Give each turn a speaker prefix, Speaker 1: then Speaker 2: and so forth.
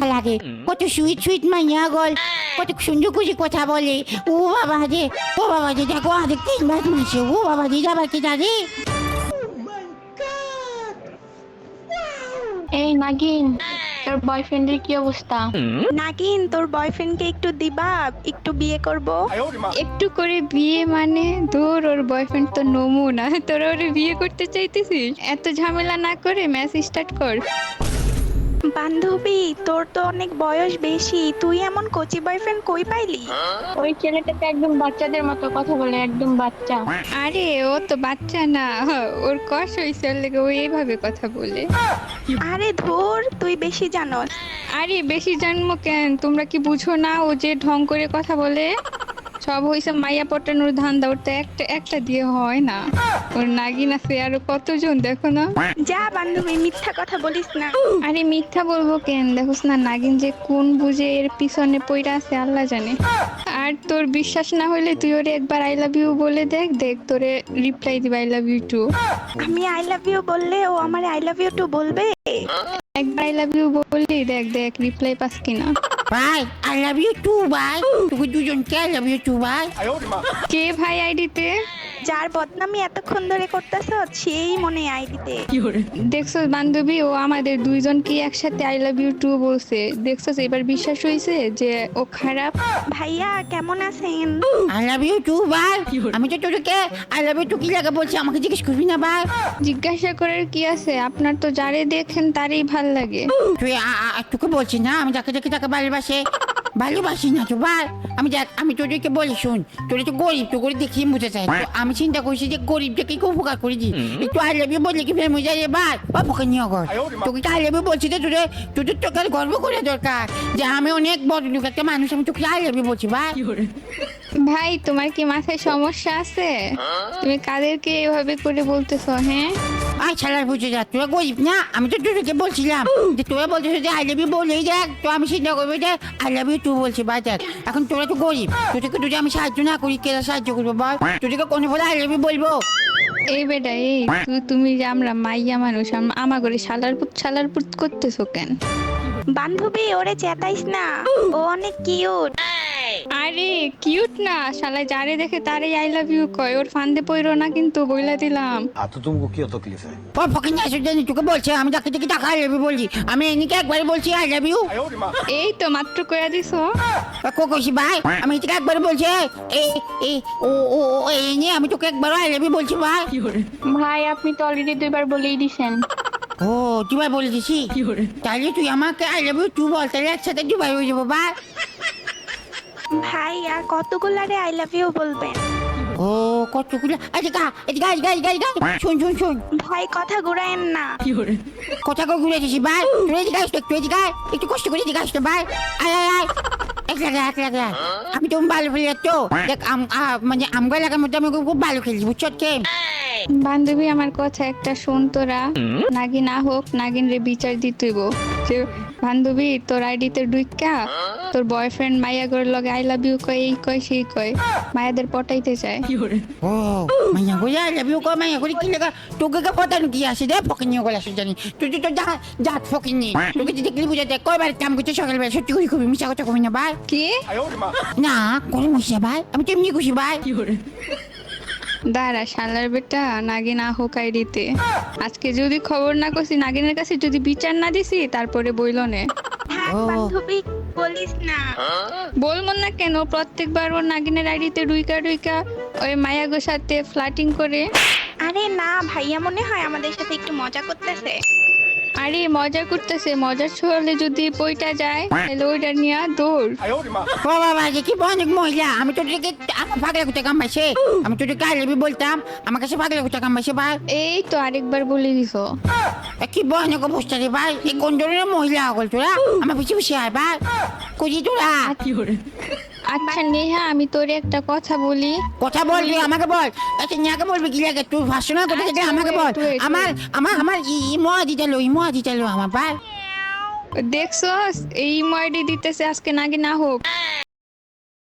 Speaker 1: দেখা লাগে, কত সুইট সুইট মাইয়া গল, কত সুন্দর করে কথা বলে। ও বাবা রে, ও বাবা রে, দেখো আরেক 3 মাস মাসে, ও বাবা রে, যাবার কি দাঁড়ি।
Speaker 2: এই নাগিন, তোর বয়ফ্রেন্ডের কি অবস্থা?
Speaker 3: নাগিন, তোর বয়ফ্রেন্ডকে একটু দিবা, একটু বিয়ে করব।
Speaker 4: একটু করে বিয়ে মানে? দূর, ওর বয়ফ্রেন্ড তো নমুনা, তোরা ওরে বিয়ে করতে চাইতেছিস? এত ঝামেলা না করে ম্যাচ স্টার্ট কর।
Speaker 3: বান্ধবী, তোর তো অনেক বয়স বেশি, তুই এমন কচি বয়ফ্রেন্ড কই পাইলি?
Speaker 2: ওই ছেলেটা তো একদম বাচ্চাদের মতো কথা বলে, একদম বাচ্চা।
Speaker 4: আরে ও তো বাচ্চা না, ওর কষ হয়েছে, ওর লেগে ও এইভাবে কথা বলে।
Speaker 3: আরে ধুর, তুই বেশি জানোস।
Speaker 4: আরে বেশি জন্ম কেন, তোমরা কি বুঝো না ও যে ঢং করে কথা বলে? সব হইছে মাইয়া পটানোর ধান্দা, ওর তো একটা একটা দিয়ে হয় না। ওর নাগিন আছে আরো কতজন, দেখো না।
Speaker 3: যা বান্ধবী, মিথ্যা কথা বলিস না।
Speaker 4: আরে মিথ্যা বলবো কেন, দেখোস না নাগিন যে কোন বুঝে এর পিছনে পইরা আছে আল্লাহ জানে। আর তোর বিশ্বাস না হইলে তুই ওরে একবার আই লাভ ইউ বলে দেখ, দেখ তোরে রিপ্লাই দিবে আই লাভ ইউ টু।
Speaker 3: আমি আই লাভ ইউ বললে ও আমার আই লাভ ইউ টু বলবে?
Speaker 4: একবার আই লাভ ইউ বললি দেখ, দেখ রিপ্লাই পাস কিনা।
Speaker 1: ভাই আই লাভ ইউ টু ভাই, তুমি দুজনকে আই লাভ ইউ টু ভাই।
Speaker 4: কে ভাই আইডিতে?
Speaker 3: যার বদনামি এতক্ষণ ধরে করতেছ সেই মনে আইডিতে।
Speaker 4: দেখছো বান্ধবী, ও আমাদের দুইজনকে একসাথে আই লাভ ইউ টু বলছে। দেখছো এবার বিশ্বাস হয়েছে যে ও খারাপ।
Speaker 3: ভাইয়া কেমন আছেন?
Speaker 1: আই লাভ ইউ টু ভাই। আমি তো তোকে আই লাভ ইউ টু কি লাগে বলছি, আমাকে জিজ্ঞেস করবি না ভাই।
Speaker 4: জিজ্ঞাসা করার কি আছে, আপনার তো যারে দেখেন তারই ভাল লাগে।
Speaker 1: তুই তোকে বলছি না আমি যাকে দেখি তাকে ভালোবাসি না তো ভাই। আমি তোদেরকে বলি শুন, তোরা তো গরিব, তো করে দেখিয়ে বুঝে চাই। তো আমি চিন্তা করছি যে গরিবটাকে একটু উপকার করে দিই, একটু আই লাভ ইউ বললে কি ফেমে যায় রে ভাই। বাবুকে নিয়ে কর, তোকে আই লাভ ইউ বলছি তো তোদের তোকে গর্ব করে দরকার যে আমি অনেক বড় লোক একটা মানুষ, আমি তোকে আই লাভ ইউ বলছি ভাই।
Speaker 4: ভাই তোমার কি মাথায় সমস্যা আছে? তুমি কাদেরকে এভাবে করে বলতেছো? হ্যাঁ
Speaker 1: আয় ছাড়ার বুঝে যা, তোরা গরিব না, আমি তো তোদেরকে বলছিলাম যে তোরা বলছিস যে আই লাভ ইউ বলেই দেখ, তো আমি চিন্তা করবো যে আই লাভ ইউ টু বলছি ভাই। দেখ এখন তোরা তো গরিব, তোদেরকে যদি আমি সাহায্য না করি কে সাহায্য করবো বল? তোদেরকে কোনো বলে আই লাভ ইউ বলবো?
Speaker 4: এই বেটা, এই তুমি যে আমরা মাইয়া মানুষ, আমা করে শালার পুত করতেছো কেন?
Speaker 3: বান্ধবী, ওরে চেতাইস না, ও অনেক কিউট।
Speaker 4: আরে কিউট না, শালা যারে দেখে তারই আই লাভ ইউ কয়। ওর ফান্দে পইরো না কিন্তু, বইলা দিলাম।
Speaker 5: हाँ तो तुमको क्यों तकलीफ है?
Speaker 1: ও ফকিং আসে জানি তোকে বলছে আমি যাকে দেখি তাকে আই লাভ ইউ বলছি, আমি এনিকে একবারে বলছি আই লাভ ইউ।
Speaker 4: এই তো মাত্র কইয়া দিছো।
Speaker 1: কোকোশি ভাই, আমি তোকে একবারে বলছি এই এই ও ও ও এনে আমি তোকে একবার আই লাভ ইউ বলছি ভাই।
Speaker 2: ভাই আপনি তো অলরেডি 2বার বলেই দিছেন।
Speaker 1: ও দুবার বলে দিছি, তাহলে তুই আমাকে আই লাভ ইউ টু বল, তাহলে একসাথে দুবার হয়ে যাবো ভাই।
Speaker 3: ভাই আর কতগুলারে আই লাভ ইউ বলবেন?
Speaker 1: ও কতগুলো, আচ্ছা শোন শোন শোন,
Speaker 3: ভাই কথা ঘুরায়েন না।
Speaker 1: কথা কই ঘুরে দিছি ভাই, তুই এদিকে আস, তুই এদিকে আয়, একটু কষ্ট করে এদিকে আসতে ভাই। আয় আয় আয়, এক লাগে আমি তো ভালো খেলি তো দেখ, মানে আমগা লাগার মধ্যে আমি খুব ভালো খেলি, বুঝছো কে?
Speaker 4: বান্ধবী আমার কথা একটা শোন তোরা, নাগিন না হোক, নাগিন রে বিচার দিতেইব। যে বান্ধবী তোর আইডিতে ঢুইকা তোর বয়ফ্রেন্ড মাইয়া করে লগে আই লাভ ইউ কয়, এই কয় সেই কয়, মায়াদের পটাইতে চায়।
Speaker 1: ও মাইয়া গো আই লাভ ইউ কো, মাইয়া করে কি লাগা তোকে কা পতা কি আসে রে ফকিং নিয়ে গলা জানি, তুই তো যা ফকিং নি, তোকে যদি দেখলি বুঝাতে কয়বার কাম করতে সকালবেলা, সত্যি করে খুবই মিশা কথা কই না ভাই।
Speaker 4: কি
Speaker 1: না করে মিশা ভাই, আমি তো এমনি খুশি ভাই।
Speaker 4: দাঁড়া শালার বেটা, নাগিন না হোক আইডিতে আজকে যদি খবর না করছি, নাগিনের কাছে যদি বিচার না দিছি, তারপরে বইল নে।
Speaker 3: থাক
Speaker 1: ও।
Speaker 3: বান্ধবী, বলিস না।
Speaker 4: বলবো না কেন, প্রত্যেকবার ওর নাগিনের আইডিতে ডুইকা ওই মায়াগোর সাথে ফ্লার্টিং করে।
Speaker 3: আরে না, ভাইয়া মনে হয় আমাদের সাথে একটু মজা করতেছে।
Speaker 4: আরে মজা করতেছে, মজার ছলে যদি বইটা যায় তাহলে ওইটা নিয়ে দৌড়।
Speaker 1: ও বাবা যে কি অনেক মহিলা, আমি তোদেরকে আমার পাগলা কুত্তা কামাইছে, আমি তোদেরকে আই লাভ ইউ বলতাম, আমার কাছে পাগলা কুত্তা কামাইছে ভাই।
Speaker 4: এই তো আরেকবার বলে দিছো।
Speaker 1: কি ভয়ানক অবস্থা রে ভাই, এই কোন ধরনের মহিলা হল তোরা, আমার পিছিয়ে পিছিয়ে আয় ভাই, কুজি তোরা।
Speaker 4: আচ্ছা নেহা, আমি তোরে একটা কথা বলি।
Speaker 1: কথা বলবি আমাকে বল, আচ্ছা নিয়াকে বলবি কি লাগে, তুই ভাষণের কথা থেকে আমাকে বল।
Speaker 4: wait.
Speaker 1: আমার আমার আমার ইমোয়া দিতে লো আমার ভাই।
Speaker 4: দেখছো এই ময়ডি দিতেছে আজকে নাকি না হোক,